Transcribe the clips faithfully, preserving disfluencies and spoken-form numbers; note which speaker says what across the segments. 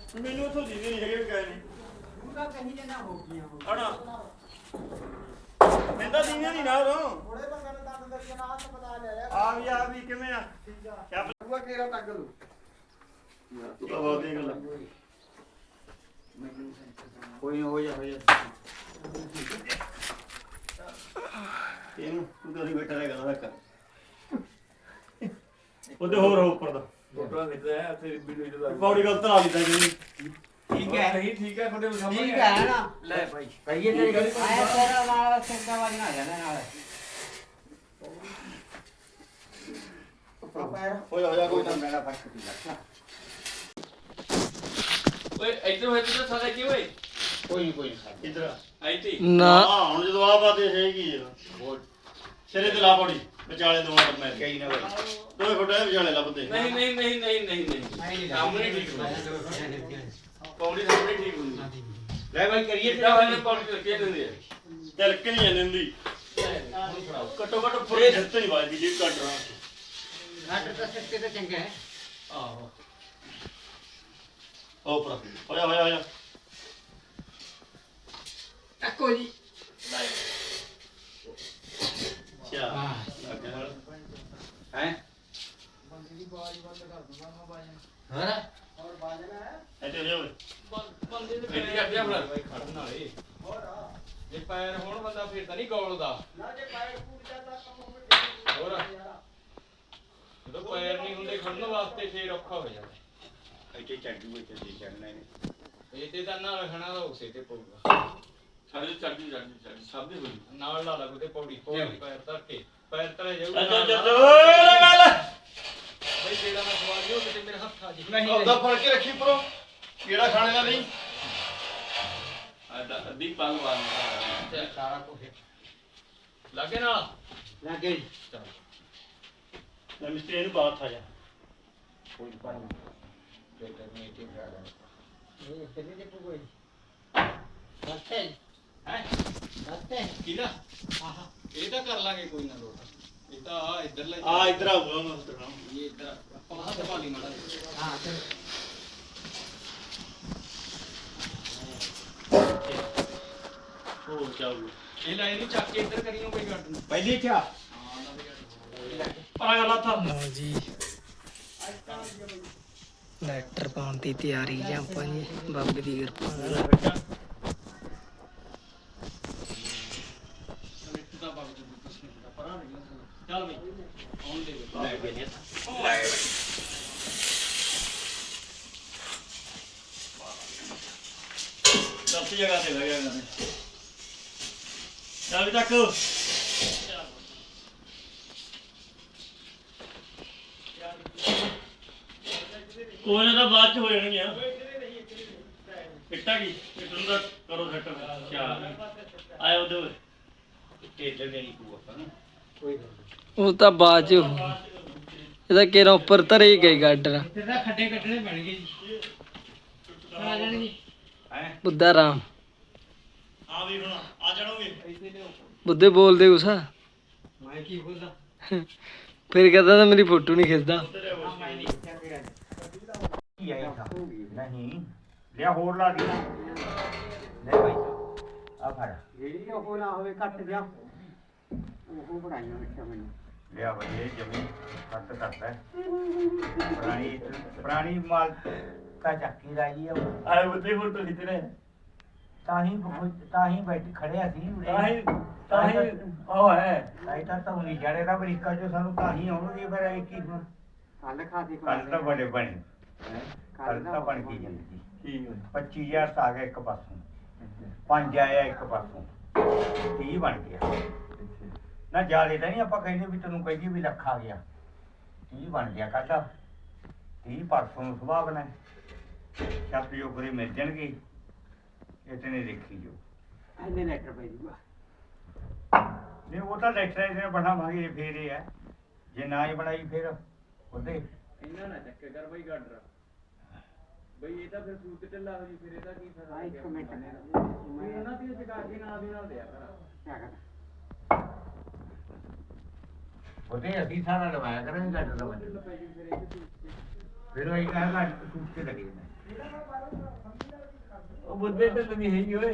Speaker 1: ਮੈਨੂੰ ਉੱਥੋਂ ਦੀ ਨਹੀਂ ਹੈਗੇ ਗਏ ਨੇ
Speaker 2: ਉਹਦਾ ਕਹੀ ਜਨਾ ਹੋ ਗਈਆਂ
Speaker 1: ਹਣਾ ਕਹਿੰਦਾ ਦੀਨੇ ਦੀ ਨਾ ਰੋ
Speaker 2: ਥੋੜੇ ਬੰਦੇ ਨੇ ਦੰਦ ਦਰੀਆਂ ਨਾਲ ਹੱਥ ਪਤਾ ਲੈ ਲਿਆ
Speaker 1: ਆ ਵੀ ਆ ਵੀ ਕਿਵੇਂ ਆ
Speaker 2: ਠੀਕ ਆ
Speaker 1: ਕਿਆ
Speaker 2: ਪੂਆ ਕੇਰਾ ਟੱਗ ਲੂ
Speaker 1: ਤੂੰ ਤਾਂ ਬਹੁਤ ਦੀ ਗੱਲ
Speaker 2: ਕੋਈ ਹੋ ਜਾ ਹੋ ਜਾ
Speaker 1: ਇਹਨੂੰ ਤੂੰ ਤਾਂ ਬੈਠਾ ਰਹਿ ਗਾ ਰੱਖ ਉਹਦੇ ਹੋਰ ਹੋ ਉੱਪਰ ਦਾ
Speaker 3: ਫੋਟੋਆਂ ਖਿੱਚਦਾ ਹੈ ਤੇ ਵੀਡੀਓ ਦਾ
Speaker 1: ਪੌੜੀ ਗਲਤ ਲਾ ਦਿੱਤਾ ਜੀ
Speaker 3: ਠੀਕ ਹੈ ਨਹੀਂ ਠੀਕ ਹੈ ਤੁਹਾਡੇ ਸਾਹਮਣੇ
Speaker 2: ਠੀਕ ਹੈ ਨਾ
Speaker 3: ਲੈ ਭਾਈ
Speaker 2: ਕਹੀਏ ਤੇਰੀ ਗੱਲ ਆਇਆ ਤੇਰਾ ਨਾਲ ਸੈਂਟਾ ਵਾਲੀ ਨਾ ਜਾਣਾ ਨਾਲ
Speaker 1: ਹੋ ਜਾ ਹੋ ਜਾ ਕੋਈ ਨਾ
Speaker 2: ਮੇਰਾ ਫਰਕ ਨਹੀਂ ਲੱਗਦਾ
Speaker 3: ਓਏ ਇੱਧਰ ਹੋਏ ਤੇ ਸਾਡਾ ਕੀ ਓਏ
Speaker 2: ਕੋਈ ਨਹੀਂ ਕੋਈ ਨਹੀਂ
Speaker 1: ਇਧਰ
Speaker 3: ਆਈ ਤੀ
Speaker 4: ਨਾ
Speaker 1: ਹਾਂ ਹੁਣ ਜਦੋਂ ਆ ਬਾਤ ਹੈਗੀ ਆ
Speaker 2: ਹੋਰ
Speaker 1: ਸਿਰੇ ਤੇ ਲਾ ਪੌੜੀ ਵਿਚਾਲੇ ਦੋ ਮਿੰਟ ਮੈਂ
Speaker 2: ਕਈ ਨਾ ਬਾਈ
Speaker 1: ਦੋਏ ਫੋਟੋ ਵਿਚਾਲੇ ਲੱਭਦੇ
Speaker 3: ਨਹੀਂ ਨਹੀਂ ਨਹੀਂ ਨਹੀਂ ਨਹੀਂ ਨਹੀਂ ਸਾਹਮਣੇ ਠੀਕ ਹੁੰਦੀ ਪੌੜੀ ਸਾਹਮਣੇ ਠੀਕ ਹੁੰਦੀ
Speaker 2: ਲੈ ਬਾਈ ਕਰੀਏ
Speaker 3: ਕਿੱਦਾਂ ਹੋਇਆ ਪੌੜੀ ਲੱਗੇ ਹੁੰਦੀ ਹੈ
Speaker 1: ਤਿਲਕ ਨਹੀਂ ਜਾਂਦੀ ਹੁੰਦੀ
Speaker 3: ਹੁਣ ਫੜਾਓ
Speaker 1: ਘੱਟੋ ਘੱਟ ਫੁੱਟ ਜਿੱਤ ਨਹੀਂ ਵੱਜਦੀ ਜੇ ਕੱਟ ਰਹਾ
Speaker 2: ਘੱਟ ਤਾਂ ਸੱਤੇ ਤਾਂ ਚੰਗਾ ਹੈ
Speaker 3: ਆਹੋ
Speaker 1: ਹੋ ਪਰ ਹੋਇਆ ਹੋਇਆ ਹੋਇਆ
Speaker 2: ਟੱਕੋ ਜੀ
Speaker 1: ਚਾ ਲੱਗ ਗਿਆ ਨਾਲ
Speaker 2: ਹੈ
Speaker 5: ਬੰਦੇ ਦੀ ਬਾਜ ਬੰਦ ਕਰ ਦੂੰਗਾ ਮੈਂ ਬਾਜਣ
Speaker 2: ਹਾਂ
Speaker 5: ਹੋਰ ਬਾਜਣਾ ਹੈ
Speaker 1: ਇੱਥੇ ਹੋ ਓਏ
Speaker 3: ਬੰਦੇ ਦੇ ਪੈਰ ਕੱਢਿਆ ਫੜਾ ਭਾਈ ਖੜਨ ਵਾਲੇ
Speaker 5: ਹੋਰ ਆ
Speaker 3: ਜੇ ਪੈਰ ਹੋਣ ਬੰਦਾ ਫਿਰ ਤਾਂ ਨਹੀਂ ਗੋਲਦਾ
Speaker 5: ਨਾ ਜੇ ਪੈਰ ਫੂਟ ਜਾਂਦਾ ਕੰਮ ਹੋਵੇ
Speaker 3: ਹੋਰ ਜਦੋਂ ਪੈਰ ਨਹੀਂ ਹੁੰਦੇ ਖੜਨ ਵਾਸਤੇ ਫੇਰ ਔਖਾ ਹੋ ਜਾਂਦਾ
Speaker 2: ਇੱਥੇ ਚੱਡੂ ਇੱਥੇ ਦੇ ਚੜਨਾ ਇਹਨੇ
Speaker 3: ਇਹ ਤੇ ਤਾਂ ਨਾਲ ਰੱਖਣਾ ਤਾਂ ਉਸੇ ਤੇ ਪਊਗਾ ਸਾਡੇ ਚੱਡੀ ਚੱਡੀ ਚੱਡੀ ਸਭ ਦੇ ਹੋਈ ਨਾਲ ਲਾ ਲਾ ਕੋਈ ਪੌੜੀ ਪੌੜੀ ਪੈਰ ਧਰ ਕੇ ਪੈਰ ਧਰੇ ਜਾਊਗਾ
Speaker 1: ਅੱਛਾ ਅੱਛਾ ਓਏ ਗੱਲ
Speaker 3: ਬਈ ਜਿਹੜਾ ਮੈਂ ਸਵਾਲ ਲਿਓ ਕਿਤੇ ਮੇਰੇ ਹੱਥ ਆ ਜੀ
Speaker 1: ਉਹਦਾ ਫੜ ਕੇ ਰੱਖੀ ਪਰੋ ਕਿਹੜਾ ਖਾਣੇ ਦਾ ਨਹੀਂ
Speaker 3: ਆਦਾ ਅੱਧੀ ਪੰਗ ਵਾਲਾ
Speaker 2: ਸਾਰਾ ਕੁਝ
Speaker 3: ਲੱਗੇ ਨਾਲ
Speaker 2: ਲੱਗੇ ਜੀ
Speaker 3: ਚਲ
Speaker 1: ਮੈਂ ਮਿਸਤਰੀ ਇਹਨੂੰ ਬਾਤ ਆ ਜਾ
Speaker 2: ਕੋਈ ਪਰ ਬੇਟਾ ਨੇ ਇੱਥੇ ਖੜਾ ਇਹ ਕਿੰਨੇ ਦੇ ਕੋਈ ਸੱਤੇ
Speaker 3: ਹੈ
Speaker 2: ਸੱਤੇ
Speaker 3: ਕਿਹਦਾ ਆਹਾ ਇਹ ਤਾਂ ਕਰ ਲਾਂਗੇ ਕੋਈ ਨਾ ਲੋਟ ਇਹ ਤਾਂ ਆ ਇੱਧਰ ਲੈ
Speaker 1: ਆ ਇਧਰ ਆਊਗਾ ਮੈਂ ਉਧਰ
Speaker 3: ਇਹ ਇੱਧਰ ਆਪਾਂ ਹੱਥ ਪਾ ਲਈ ਮਾੜਾ
Speaker 2: ਹਾਂ ਚਲ
Speaker 1: ਹੋ ਚਾਲੂ
Speaker 3: ਇਹ ਲਾਈਨ ਨੂੰ ਚੱਕ ਕੇ ਇੱਧਰ ਕਰੀਓ ਕੋਈ ਗੱਡ ਨੂੰ
Speaker 2: ਪਹਿਲੀ ਚਾ
Speaker 3: ਹਾਂ ਨਾ ਵੀ
Speaker 1: ਪਰਾ ਗੱਲ ਆ ਥਾ
Speaker 4: ਲਓ ਜੀ ਲੈਟਰ ਪਾਉਣ ਦੀ ਤਿਆਰੀ ਜਾਂ ਆਪਾਂ ਜੀ ਬਾਬੇ ਦੀ ਕਿਰਪਾ ਨਾਲ
Speaker 3: ਚੱਲ ਬਈ ਆਉਣ ਦੇ
Speaker 2: ਲੈ ਕੇ ਨੇ
Speaker 1: ਸਭ ਜਗ੍ਹਾ ਤੇ ਲੱਗਿਆ ਇਹਨਾਂ ਨੇ ਚੱਲ ਵੀ ਤੱਕ ਕੋਈ ਨਾ ਤਾਂ ਬਾਅਦ ਚ ਹੋ ਜਾਣਗੀਆਂ ਇੱਟਾ ਕੀ ਇੱਟਾਂ ਦਾ ਕਰੋ ਸੈੱਟ ਅੱਛਾ ਆਇਆ ਉਹਦੇ ਓਏ
Speaker 2: ਟੇਲਰ ਨੇ ਨਹੀਂ ਕੋ ਆਪਾਂ ਕੋਈ
Speaker 4: ਉਹ ਤਾਂ ਬਾਅਦ ਚ ਹੋਊ। ਇਹਦਾ ਕੇਰਾ ਉੱਪਰ ਧਰੇ ਹੀ ਗਈ ਗਾਡਰ
Speaker 2: ਇੱਥੇ ਤਾਂ ਖੱਡੇ ਕੱਢਣੇ ਪੈਣਗੇ ਜੀ ਆ ਜਾਣਗੇ
Speaker 1: ਹੈ
Speaker 4: ਬੁੱਧਾ ਰਾਮ
Speaker 1: ਆ ਵੀ ਹੁਣ ਆ ਜਾਣੋਗੇ
Speaker 4: ਬੁੱਧੇ ਬੋਲਦੇ ਉਸਾ
Speaker 2: ਮੈਂ ਕੀ ਬੋਲਦਾ
Speaker 4: ਫਿਰ ਕਹਿੰਦਾ ਤਾਂ ਮੇਰੀ ਫੋਟੋ ਨਹੀਂ ਖਿੱਚਦਾ
Speaker 2: ਮੈਂ ਨਹੀਂ ਚੱਕੇਗਾ ਕੀ ਆਇਆ ਤਾਂ ਨਹੀਂ ਲਿਆ ਹੋਰ ਲਾ ਦੀ ਲੈ ਭਾਈ ਆ ਫੜ ਜਿਹੜੀ ਉਹ ਨਾ ਹੋਵੇ ਕੱਟ ਗਿਆ ਉਹ ਬਣਾਈਆਂ ਰੱਖਿਆ ਮੈਨੂੰ ਲਿਆ ਭਾਈ ਇਹ ਜਮੀ ਕੱਟ ਕਰਦਾ ਪੁਰਾਣੀ ਪੁਰਾਣੀ ਮਾਲ ਤਾਂ ਚੱਕੀ ਲਾਈ ਆ
Speaker 1: ਆਏ ਬੁੱਧੇ ਫੋਟੋ ਖਿੱਚ ਰਹੇ
Speaker 2: ਤਾਂ ਹੀ ਤਾਂ ਹੀ ਬੈਠ ਖੜਿਆ ਸੀ
Speaker 1: ਤਾਂ ਹੀ ਤਾਂ ਹੀ ਉਹ ਹੈ
Speaker 2: ਲਾਈਟਾਂ ਤਾਂ ਹੁਣੀ ਜੜੇ ਦਾ ਅਮਰੀਕਾ ਚੋਂ ਸਾਨੂੰ ਤਾਂ ਹੀ ਆਉਣਗੇ ਫਿਰ ਇਹ ਕੀ ਹੁਣ ਕੱਲ ਖਾਦੀ ਕੱਲ ਤਾਂ ਬੜੇ ਬਣੇ ਕੱਲ ਤਾਂ ਬਣ ਗਈ ਜ਼ਿੰਦਗੀ
Speaker 1: ਠੀਕ ਹੈ
Speaker 2: ਪੱਚੀ ਹਜ਼ਾਰ ਤਾਂ ਆ ਗਿਆ ਇੱਕ ਪਾਸੋਂ ਪੰਜ ਆਇਆ ਇੱਕ ਪਾਸੋਂ ਤੀਹ ਬਣ ਗਿਆ ਨਾ ਜਾਲੇ ਤਾਂ ਨਹੀਂ ਆਪਾਂ ਕਹਿੰਦੇ ਵੀ ਤੈਨੂੰ ਕਹੀਏ ਵੀ ਲੱਖ ਆ ਗਿਆ ਤੀਹ ਬਣ ਗਿਆ ਕੱਲ ਤੀਹ ਪਰਸੋਂ ਨੂੰ ਸੁਭਾਅ ਬਣਾ ਛੱਤ ਜੋ ਪੂਰੇ ਮਿਲ ਜਾਣਗੇ ਇਤਨੇ ਦੇਖੀ ਜੋ ਇਹਦੇ ਲੈਟਰ ਪੈ ਜੂਗਾ ਨਹੀਂ ਉਹ ਤਾਂ ਲੈਟਰ ਇਹਨੇ ਬਣਾਵਾਂਗੇ ਫੇਰ ਇਹ ਹੈ ਜੇ ਨਾ ਹੀ ਬਣਾਈ ਫਿਰ ਉਹਦੇ
Speaker 3: ਇਹਨਾਂ ਨਾ ਚੱਕੇ ਕਰ ਬਈ ਗਾਡਰ ਬਈ ਇਹ ਤਾਂ ਫਿਰ ਸੂਤ ਢਿੱਲਾ ਹੋ ਜੀ ਫਿਰ ਇਹਦਾ ਕੀ ਫਾਇਦਾ
Speaker 2: ਇੱਕ ਮਿੰਟ
Speaker 3: ਇਹਨਾਂ ਦੀ ਚਕਾ ਕੇ ਨਾਲ ਦੀ ਨਾਲ ਦਿਆ ਕਰ
Speaker 2: ਉਹਦੇ ਅਸੀਂ ਸਾਰਾ ਲਵਾਇਆ ਕਰਾਂਗੇ ਗੱਡ ਦਾ ਬੰਦ
Speaker 3: ਪੈ ਜੀ ਫਿਰ ਇਹ
Speaker 2: ਫਿਰ ਉਹ ਇੱਕ ਹੈਗਾ ਸੂਟ ਤੇ ਲੱਗੇ ਨੇ
Speaker 1: ਉਹ ਬੁੱਧੇ ਤੇ ਨਹੀਂ ਹੈਗੀ ਓਏ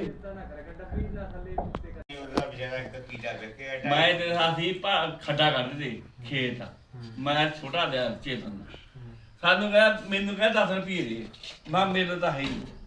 Speaker 2: ਉਹਦਾ ਵਿਚਾਰਾ ਇੱਕ ਕੀੜਾ ਵੇਖਿਆ
Speaker 1: ਮੈਂ ਤੇ ਸਾਥੀ ਖੱਡਾ ਕਰਦੇ ਤੇ ਖੇਤ ਆ ਮੈਂ ਛੋਟਾ ਲਿਆ ਚੇਤਨ ਦਾ ਸਾਨੂੰ ਕਹਿੰਦਾ ਮੈਨੂੰ ਕਹਿੰਦਾ ਦਸ ਰੁਪਏ ਦੇ ਮੈਂ ਮੇਰੇ ਤਾਂ ਹੈ ਹੀ ਨਹੀਂ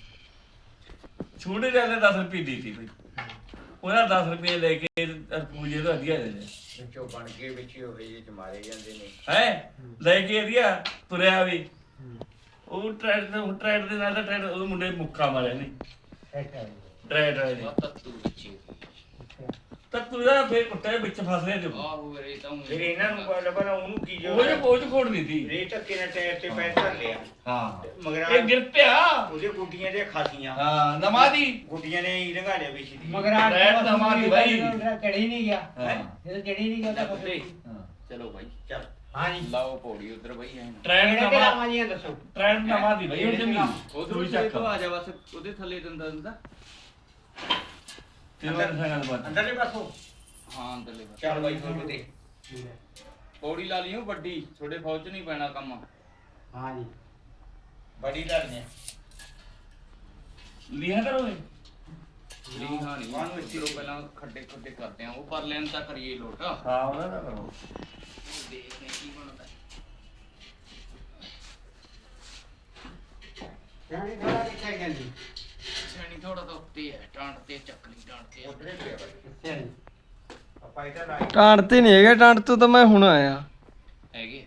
Speaker 1: ਛੋਟੇ ਜਿਹੇ ਦਸ ਰੁਪਏ ਦਿੱਤੀ ਬਈ ਉਹਨਾਂ ਦਸ ਰੁਪਏ ਲੈ ਕੇ ਪੂਜੇ ਤੋਂ ਵਧੀਆ ਦੇ ਦੇ
Speaker 2: ਵਿੱਚੋਂ ਬਣ ਕੇ ਵਿੱਚ ਉਹ ਵੇਜੇ ਚ ਮਾਰੇ ਜਾਂਦੇ ਨੇ
Speaker 1: ਹੈ ਲੈ ਕੇ ਵਧੀਆ ਤੁਰਿਆ ਵੀ ਉਹ ਟਰੈਡ ਤੇ ਟਰੈਡ ਦੇ ਨਾਲ ਤਾਂ ਟਰੈਡ ਉਹ ਮੁੰਡੇ ਮੁੱਕਾ ਮਾਰਿਆ ਨਹੀਂ ਟਰੈਡ ਵਾਲੇ ਨੇ
Speaker 3: ਤੱਤੂ ਵਿੱਚੇ
Speaker 1: ਤਾਂ ਤੂੰ ਦਾ ਫੇਰ ਕੁੱਤੇ ਵਿੱਚ ਫਸ ਰਿਹਾ ਤੇ
Speaker 3: ਆਹੋ ਵੀਰੇ ਤਾਂ
Speaker 2: ਫਿਰ ਇਹਨਾਂ ਨੂੰ ਪਤਾ ਲੱਗਾ ਉਹਨੂੰ ਕੀ ਜੋ
Speaker 1: ਉਹ ਜੇ ਪੋਚ ਖੋੜ ਨਹੀਂ ਦੀ
Speaker 2: ਰੇ ਧੱਕੇ ਨਾਲ ਟਾਇਰ ਤੇ ਪੈਰ ਧਰ ਲਿਆ
Speaker 1: ਹਾਂ
Speaker 2: ਮਗਰ
Speaker 1: ਇਹ ਗਿਰ ਪਿਆ
Speaker 2: ਉਹਦੇ ਗੁੱਡੀਆਂ ਦੇ ਖਾਸੀਆਂ
Speaker 1: ਹਾਂ ਨਮਾਦੀ
Speaker 2: ਗੁੱਡੀਆਂ ਨੇ ਹੀ ਲੰਘਾ ਲਿਆ ਵਿੱਚ ਦੀ
Speaker 5: ਮਗਰ ਆ
Speaker 1: ਟਰੈਡ ਨਮਾਦੀ ਭਾਈ
Speaker 5: ਚੜੀ ਨਹੀਂ ਗਿਆ
Speaker 1: ਹਾਂ
Speaker 5: ਇਹ ਚੜੀ ਨਹੀਂ ਗਿਆ ਤਾਂ
Speaker 3: ਕੁੱਤੇ
Speaker 1: ਹਾਂ
Speaker 3: ਚਲੋ ਬਾਈ
Speaker 2: ਚੱਲ
Speaker 5: ਹਾਂਜੀ
Speaker 3: ਲਾਓ ਪੌੜੀ ਉਧਰ ਬਾਈ ਐ
Speaker 1: ਟ੍ਰੈਂਡ
Speaker 5: ਕਿਹੜੇ
Speaker 1: ਨਮਾ
Speaker 5: ਨਾਮਾਂ ਜੀਆਂ ਦੱਸੋ
Speaker 1: ਟ੍ਰੈਂਡ ਨਮਾਦੀ ਭਾਈ ਉਹ ਜਮੀਨ
Speaker 3: ਉਧਰ
Speaker 1: ਚੱਕ
Speaker 3: ਤੋਂ ਆ ਜਾ ਬਸ ਉਹਦੇ ਥੱਲੇ ਦੰਦਾ ਦੰਦਾ
Speaker 1: ਤੇ ਉਹ ਸੰਗਲ ਬਾਤ
Speaker 2: ਅੰਦਰਲੇ ਪਾਸੋਂ
Speaker 3: ਹਾਂ ਅੰਦਰਲੇ ਪਾਸੇ।
Speaker 2: ਚੱਲ ਬਾਈ ਫਿਰ ਤੇ
Speaker 3: ਪੌੜੀ ਲਾ ਲਈਓ ਵੱਡੀ ਤੁਹਾਡੇ ਫੌਜ ਚ ਨਹੀਂ ਪੈਣਾ ਕੰਮ
Speaker 5: ਹਾਂਜੀ
Speaker 2: ਬੜੀ ਲੜਨੇ
Speaker 1: ਲਿਆ ਕਰੋ ਇਹ
Speaker 3: ਲੀ ਹਾਣੀ ਉਹਨੂੰ ਇੱਥੇ ਪਹਿਲਾਂ ਖੱਡੇ ਖੱਡੇ ਕਰਦੇ ਆ ਉਹ ਪਰ ਲੈਣ ਤਾਂ ਕਰੀਏ ਲੋਟ
Speaker 1: ਹਾਂ ਉਹਨਾਂ ਦਾ ਕਰੋ
Speaker 3: ਦੇਖਦੇ ਕੀ ਬਣਦਾ
Speaker 5: ਜਾਨੀ ਥੋੜਾ ਕਿੱਥੇ ਜਾਂਦੀ
Speaker 3: ਛੇਣੀ ਥੋੜਾ ਤਾਂ ਉੱਤੇ ਹੈ ਟਾਂਟ ਤੇ ਚੱਕ ਲਈ ਟਾਂਟ ਤੇ
Speaker 2: ਉਧਰੇ ਪਿਆ ਬਾਈ
Speaker 5: ਕਿੱਥੇ ਨਹੀਂ
Speaker 2: ਆਪਾਂ ਇਹਦਾ ਲਾਈ
Speaker 4: ਟਾਂਟ ਤੇ ਨਹੀਂ ਹੈਗਾ ਟਾਂਟ ਤੋਂ ਤਾਂ ਮੈਂ ਹੁਣ ਆਇਆ
Speaker 3: ਹੈਗੇ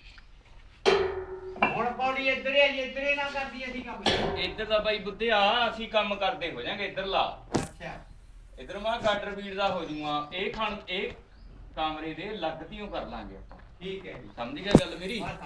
Speaker 5: ਹੁਣ ਪੌੜੀ ਇੱਧਰ ਹੀ ਆਈ ਇੱਧਰ ਹੀ ਨਾ ਕਰਦੀ ਅਸੀਂ ਕੰਮ
Speaker 3: ਇੱਧਰ ਦਾ ਬਾਈ ਬੁੱਧੇ ਆ ਅਸੀਂ ਕੰਮ ਕਰਦੇ ਹੋ ਜਾਾਂਗੇ ਇੱਧਰ ਲਾ
Speaker 5: ਅੱਛਾ
Speaker 3: ਇੱਧਰ ਮਾ ਗਾਡਰ ਬੀੜ ਦਾ ਹੋ ਜੂਆ ਇਹ ਖਾਣ ਇਹ ਕਮਰੇ ਦੇ ਲੱਗਤੀਓ ਕਰ ਲਾਂਗੇ ਆਪਾਂ
Speaker 5: ਠੀਕ ਹੈ ਜੀ
Speaker 3: ਸਮਝ ਗਿਆ ਗੱਲ ਮੇਰੀ